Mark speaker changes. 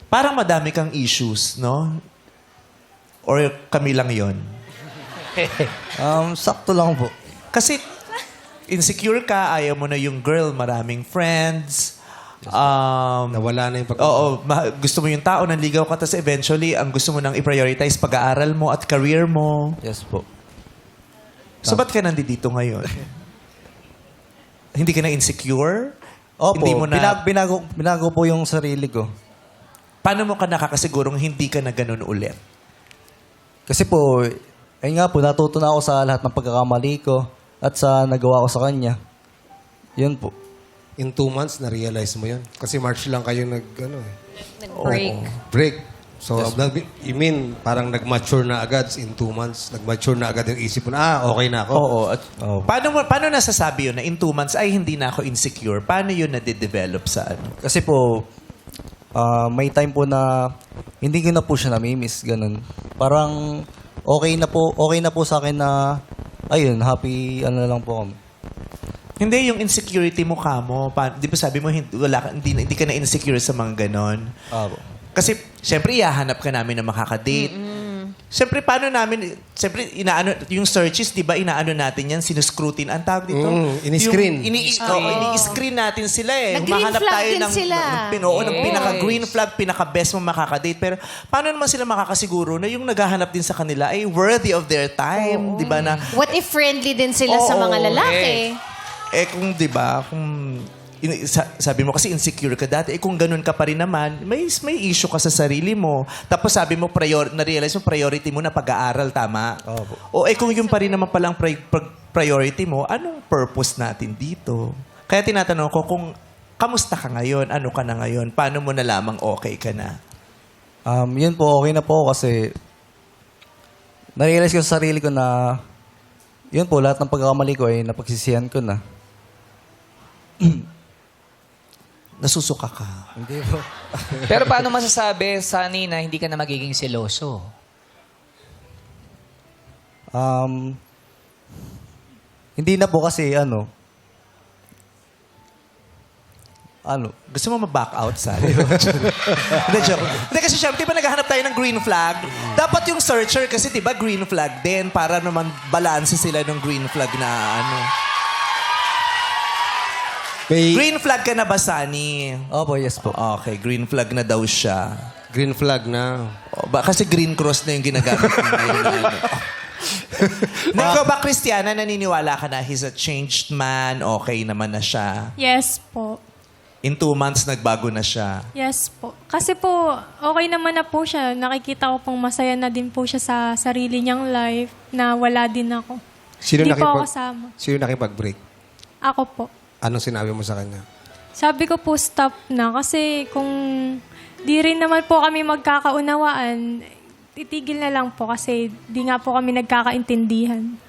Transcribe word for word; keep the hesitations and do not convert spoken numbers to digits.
Speaker 1: Parang madami kang issues, no? Or kami lang yon.
Speaker 2: Um, sakto lang po.
Speaker 1: Kasi insecure ka, ayaw mo na yung girl, maraming friends. Um,
Speaker 3: Nawala na yung pag-
Speaker 1: Oo, ma- gusto mo yung tao, nanligaw ka, tapos eventually, ang gusto mo nang i-prioritize pag-aaral mo at career mo.
Speaker 2: Yes po.
Speaker 1: So, ba't ka nandito ngayon? Hindi ka na insecure?
Speaker 2: Opo,
Speaker 1: Hindi mo na...
Speaker 2: binag- binago, binago po yung sarili ko.
Speaker 1: Paano mo ka nakakasigurong hindi ka na ganun ulit?
Speaker 2: Kasi po, ayun nga po, natuto na ako sa lahat ng pagkakamali ko at sa nagawa ko sa kanya. Yun po.
Speaker 3: In two months, na-realize mo yun. Kasi March lang kayo nag, ano eh,
Speaker 4: Nag-break.
Speaker 3: break. So, nag- you mean, parang nag-mature na agad in two months? Nag-mature na agad yung isip mo na, ah, okay na ako.
Speaker 1: Oo. At
Speaker 2: Oo.
Speaker 1: paano, mo, paano nasasabi yun na in two months, ay hindi na ako insecure? Paano yun na-develop sa ano?
Speaker 2: Kasi po, ah, may time po na hindi ko na po siya namimiss, ganun. Parang okay na po, okay na po sa akin na, ayun, happy, ano na lang po kami.
Speaker 1: Hindi, yung insecurity mo ka mo. Pa, di ba sabi mo, hindi, wala, ka- hindi, hindi ka na insecure sa mga ganon?
Speaker 2: Ah, po.
Speaker 1: Kasi, syempre, ihahanap ka namin na makakadate. Syempre, paano namin, syempre, inaano, yung searches, di ba, inaano natin yan, sinuscrutin. Ang tawag dito?
Speaker 3: Mm, ini-screen.
Speaker 1: Yung, ini, oh, ini-screen natin sila eh.
Speaker 4: Nag-green
Speaker 1: Humahanap
Speaker 4: flag
Speaker 1: tayo
Speaker 4: din
Speaker 1: ng,
Speaker 4: sila.
Speaker 1: ng, pin- oo, ng
Speaker 4: Yes.
Speaker 1: pinaka-green flag, pinaka-best mo makakadate. Pero, paano naman sila makakasiguro na yung naghahanap din sa kanila ay worthy of their time? Di ba na,
Speaker 4: What if friendly din sila sa
Speaker 1: Oo,
Speaker 4: mga lalaki?
Speaker 1: eh kung 'di ba, kung in- sa- sabi mo kasi insecure ka dati, eh kung ganun ka pa rin naman, may may issue ka sa sarili mo. Tapos sabi mo prior na-realize mo priority mo na pag-aaral, tama?
Speaker 2: Opo.
Speaker 1: O eh kung yung pa rin naman palang pri- pri- priority mo, anong purpose natin dito? Kaya tinatanong ko kung kamusta ka ngayon? Ano ka na ngayon? Paano mo nalamang okay ka na?
Speaker 2: Um, yun po, okay na po ako kasi na-realize ko sa sarili ko na yun po, lahat ng pagkakamali ko ay napagsisihan ko na.
Speaker 1: Nasusuka ka.
Speaker 2: Hindi po.
Speaker 5: Pero paano masasabi, Sunny, na hindi ka na magiging seloso?
Speaker 2: Um, hindi na po kasi ano, ano,
Speaker 1: Gusto mo ma-back out, Sally? Hindi, joke. Hindi, kasi syempre, di ba naghahanap tayo ng green flag? Dapat yung searcher, kasi di ba green flag din, para naman balance sila ng green flag na ano.
Speaker 3: May green,
Speaker 1: Green flag ka na ba, Sunny?
Speaker 2: opo, yes po.
Speaker 1: Okay, green flag na daw siya.
Speaker 3: flag na.
Speaker 1: O, ba, kasi green cross na yung ginagamit niya ngayon na ano. Na ikaw ba, Christiana, naniniwala ka na he's a changed man, okay naman na siya?
Speaker 6: Yes po.
Speaker 1: In two months, nagbago na siya.
Speaker 6: Yes po. Kasi po, okay naman na po siya. Nakikita ko pong masaya na din po siya sa sarili niyang life na wala din ako.
Speaker 3: Sino
Speaker 6: Hindi po ako
Speaker 3: nakipag,
Speaker 6: kasama.
Speaker 3: sino nakipag-break?
Speaker 6: Ako po.
Speaker 3: Anong sinabi mo sa kanya?
Speaker 6: Sabi ko po, stop na. Kasi kung di rin naman po kami magkakaunawaan, titigil na lang po kasi di nga po kami nagkakaintindihan.